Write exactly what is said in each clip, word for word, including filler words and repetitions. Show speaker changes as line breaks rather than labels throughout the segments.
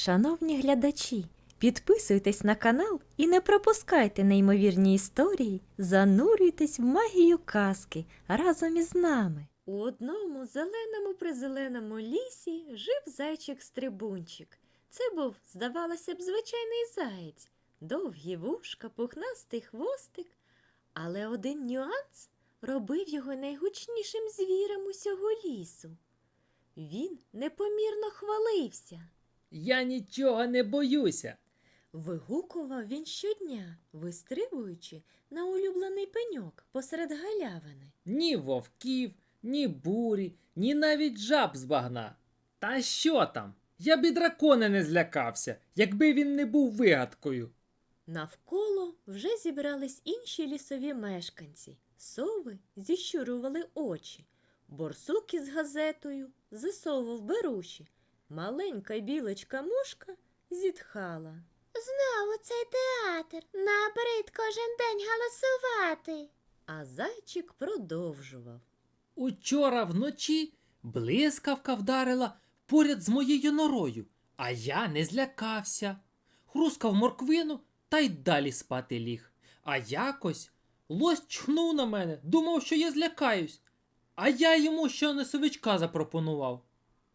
Шановні глядачі, підписуйтесь на канал і не пропускайте неймовірні історії, занурюйтесь в магію казки разом із нами. У одному зеленому-призеленому лісі жив зайчик-стрибунчик. Це був, здавалося б, звичайний заєць, довгі вушка, пухнастий хвостик. Але один нюанс робив його найгучнішим звірем усього лісу. Він непомірно хвалився.
Я нічого не боюся.
Вигукував він щодня, вистрибуючи на улюблений пеньок посеред галявини.
Ні вовків, ні бурі, ні навіть жаб з багна. Та що там? Я б і дракона не злякався, якби він не був вигадкою.
Навколо вже зібрались інші лісові мешканці. Сови зіщурювали очі, борсук із газетою засовував беруші. Маленька білочка-мушка зітхала.
Знову цей театр. Набрид кожен день голосувати.
А зайчик продовжував.
Учора вночі блискавка вдарила поряд з моєю норою, а я не злякався. Хрускав морквину та й далі спати ліг. А якось лось чхнув на мене, думав, що я злякаюсь. А я йому ще носовичка запропонував.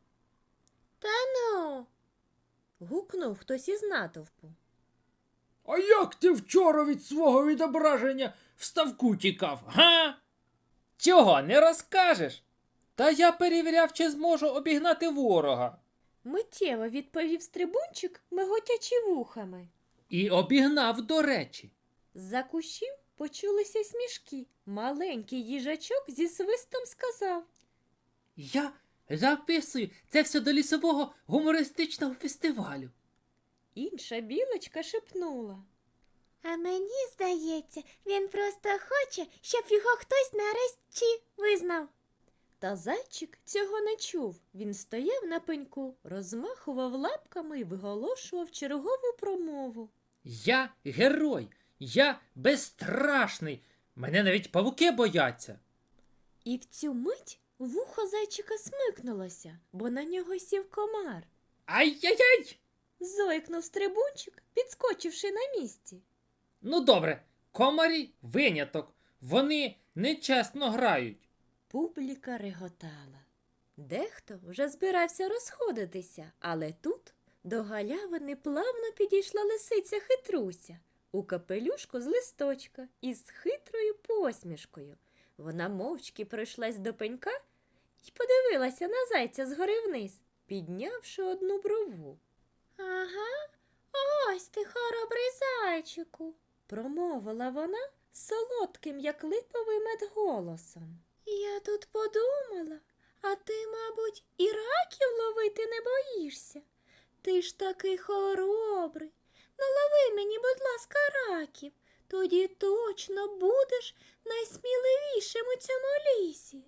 Та ну.
Гукнув хтось із натовпу.
А як ти вчора від свого відображення в ставку тікав, га? Чого, не розкажеш? Та я перевіряв, чи зможу обігнати ворога.
Миттєво відповів стрибунчик, миготячи вухами.
І обігнав, до речі.
З-за кущів почулися смішки. Маленький їжачок зі свистом сказав.
Я записую це все до лісового гумористичного фестивалю.
Інша білочка шепнула.
А мені здається, він просто хоче, щоб його хтось нарешті визнав.
Та зайчик цього не чув. Він стояв на пеньку, розмахував лапками і виголошував чергову промову.
Я герой, я безстрашний, мене навіть павуки бояться.
І в цю мить вухо зайчика смикнулося, бо на нього сів комар.
Ай-яй-яй!
Зойкнув стрибунчик, підскочивши на місці.
Ну добре, комарі виняток, вони нечесно грають.
Публіка реготала. Дехто вже збирався розходитися, але тут до галявини плавно підійшла лисиця Хитруся у капелюшку з листочка із хитрою посмішкою. Вона мовчки пройшлась до пенька і подивилася на зайця згори вниз, піднявши одну брову.
Ага, ось ти, хоробрий зайчику,
Промовила вона солодким, як липовий мед, голосом.
Я тут подумала, а ти, мабуть, і раків ловити не боїшся. Ти ж такий хоробрий. Налови мені, будь ласка, раків. Тоді точно будеш найсміливішим у цьому лісі.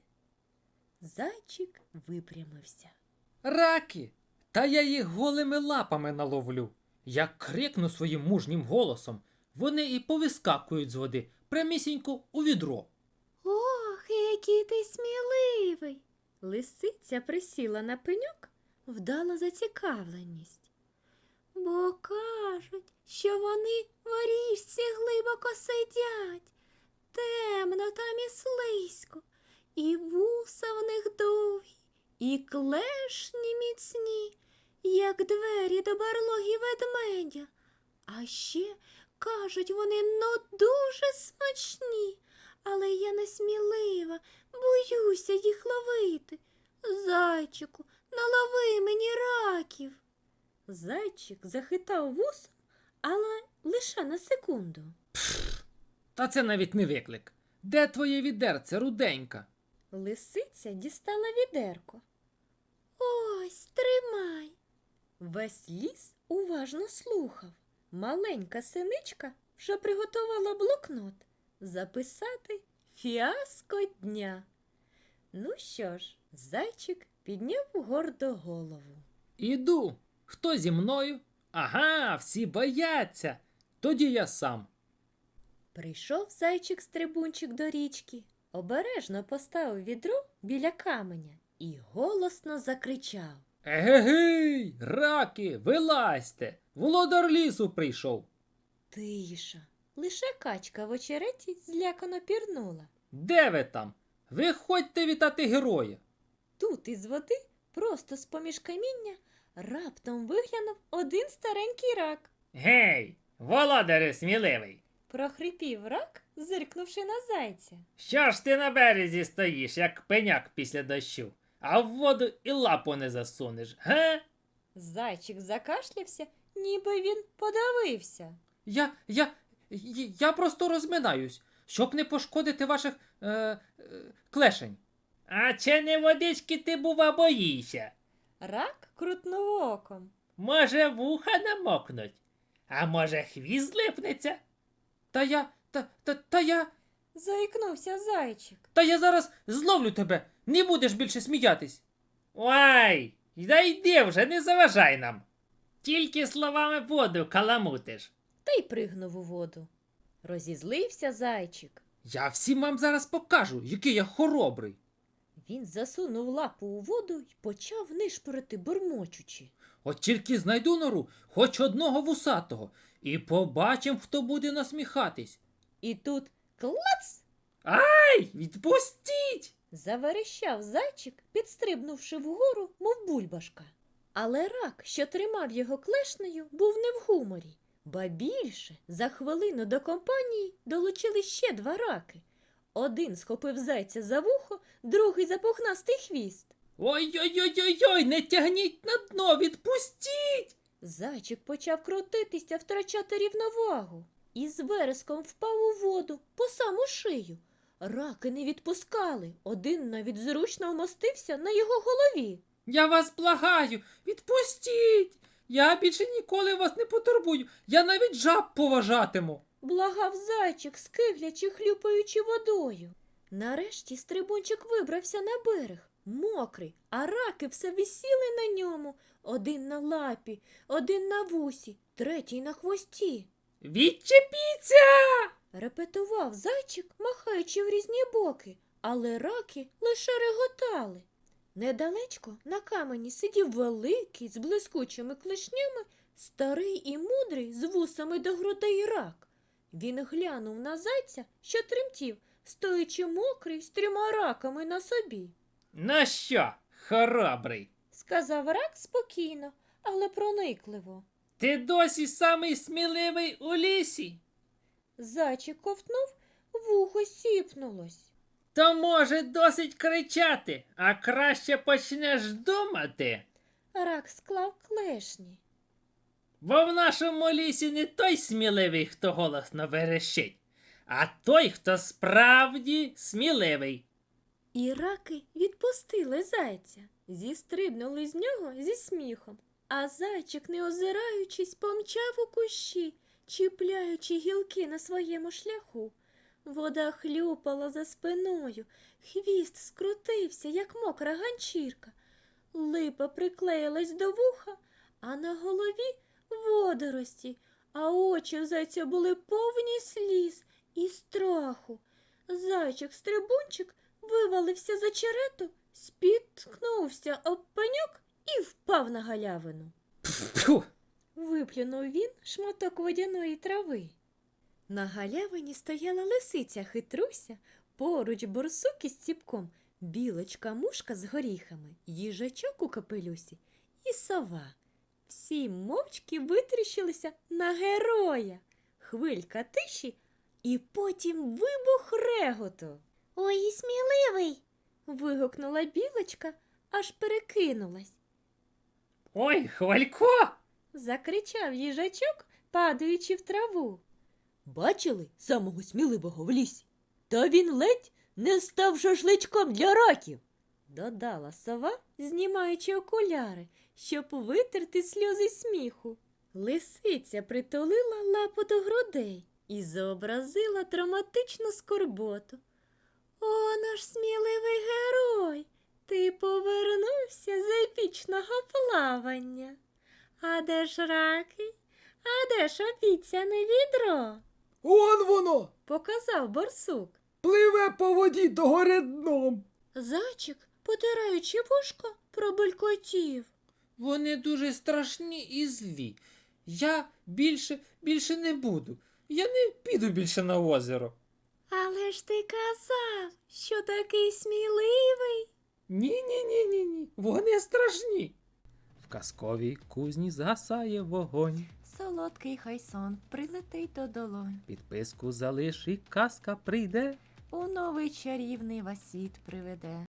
Зайчик випрямився.
Раки! Та я їх голими лапами наловлю. Я крикну своїм мужнім голосом, вони і повискакують з води, прямісінько у відро.
Ох, який ти сміливий.
Лисиця присіла на пеньок, вдала зацікавленість.
Бо кажуть, що вони в річці глибоко сидять. Темно там і слизько, і вуса в них довгі, і клешні міцні, як двері до барлоги ведмедя. А ще, кажуть, вони ну дуже смачні, але я несмілива, боюся їх ловити. Зайчику, налови мені раків.
Зайчик захитав вусом, але лише на секунду.
Та це навіть не виклик. Де твоє відерце, руденька?
Лисиця дістала відерко.
Ось, тримай.
Весь ліс уважно слухав. Маленька синичка вже приготувала блокнот записати фіаско дня. Ну що ж, зайчик підняв гордо голову.
Іду. Хто зі мною? Ага, всі бояться. Тоді я сам.
Прийшов зайчик-стрибунчик до річки, обережно поставив відро біля каменя і голосно закричав.
Егегей, раки, вилазьте! Володар лісу прийшов.
Тиша. Лише качка в очереті злякано пірнула.
Де ви там? Виходьте вітати героя.
Тут із води, просто з-поміж каміння, раптом виглянув один старенький рак.
Гей, володарю сміливий!
Прохрипів рак, зиркнувши на зайця.
Що ж ти на березі стоїш, як пеняк після дощу, а в воду і лапу не засунеш, ге?
Зайчик закашлявся, ніби він подавився.
Я, я, я, я просто розминаюсь, щоб не пошкодити ваших е, е, клешень. А чи не водички ти, бува, боїшся?
Рак крутнув оком.
Може, вуха намокнуть? А може, хвіст злипнеться? Та я, та, та, та я,
Заікнувся зайчик.
та я зараз зловлю тебе, не будеш більше сміятись. Ой, да йди вже, не заважай нам. Тільки словами воду каламутиш.
Та й пригнув у воду. Розізлився зайчик.
Я всім вам зараз покажу, який я хоробрий.
Він засунув лапу у воду й почав нишпорити, бурмочучи.
От тільки знайду нору, хоч одного вусатого, і побачим, хто буде насміхатись.
І тут клац!
Ай, відпустіть!
Заверещав зайчик, підстрибнувши вгору, мов бульбашка. Але рак, що тримав його клешнею, був не в гуморі. Ба більше, за хвилину до компанії долучили ще два раки. Один схопив зайця за вухо, другий за пухнастий хвіст.
Ой-ой-ой-ой-ой, не тягніть на дно, відпустіть!
Зайчик почав крутитися, втрачати рівновагу. І з вереском впав у воду по саму шию. Раки не відпускали, один навіть зручно вмостився на його голові.
Я вас благаю, відпустіть! Я більше ніколи вас не потурбую, я навіть жаб поважатиму.
Благав зайчик, скиглячи, хлюпаючи водою. Нарешті стрибунчик вибрався на берег, мокрий, а раки все висіли на ньому. Один на лапі, один на вусі, третій на хвості.
Відчепіться!
Репетував зайчик, махаючи в різні боки, але раки лише реготали. Недалечко на камені сидів великий, з блискучими клешнями, старий і мудрий, з вусами до грудей рак. Він глянув на зайця, що тремтів, стоячи мокрий з трьома раками на собі.
Ну що, хоробрий,
Сказав рак спокійно, але проникливо.
ти досі самий сміливий у лісі?
Зайчик ковтнув, вухо сіпнулось.
То, може, досить кричати, а краще почнеш думати.
Рак склав клешні.
Бо в нашому лісі не той сміливий, хто голосно верещить, а той, хто справді сміливий.
І раки відпустили зайця, зістрибнули з нього зі сміхом. А зайчик, не озираючись, помчав у кущі, чіпляючи гілки на своєму шляху. Вода хлюпала за спиною, хвіст скрутився, як мокра ганчірка. Липа приклеїлась до вуха, а на голові водорості, а очі в зайця були повні сліз і страху. Зайчик-стрибунчик вивалився за черету, спіткнувся об пеньок і впав на галявину.
Фу!
Виплюнув він шматок водяної трави. На галявині стояла лисиця хитруся, поруч борсук із ціпком, білочка-мушка з горіхами, їжачок у капелюсі і сова. Всі мовчки витріщилися на героя. Хвилька тиші і потім вибух реготу.
Ой, і сміливий.
Вигукнула білочка, аж перекинулась.
Ой, Хвалько!
Закричав їжачок, падаючи в траву. Бачили самого сміливого в лісі? Та він ледь не став шашличком для раків, додала сова, знімаючи окуляри, щоб витерти сльози сміху. Лисиця притулила лапу до грудей і зобразила драматичну скорботу. О, наш сміливий герой, ти повернувся з епічного плавання. А де ж раки? А де ж обіцяне відро?
Он воно!
Показав борсук.
Пливе по воді догори дном.
Зайчик, потираючи вушко, пробелькотів.
Вони дуже страшні і злі. Я більше, більше не буду. Я не піду більше на озеро.
Але ж ти казав, що такий сміливий.
Ні-ні-ні-ні-ні, вони страшні. В казковій кузні згасає вогонь.
Солодкий хай сон прилетить до долонь.
Підписку залиш і казка прийде.
У новий чарівний вас світ приведе.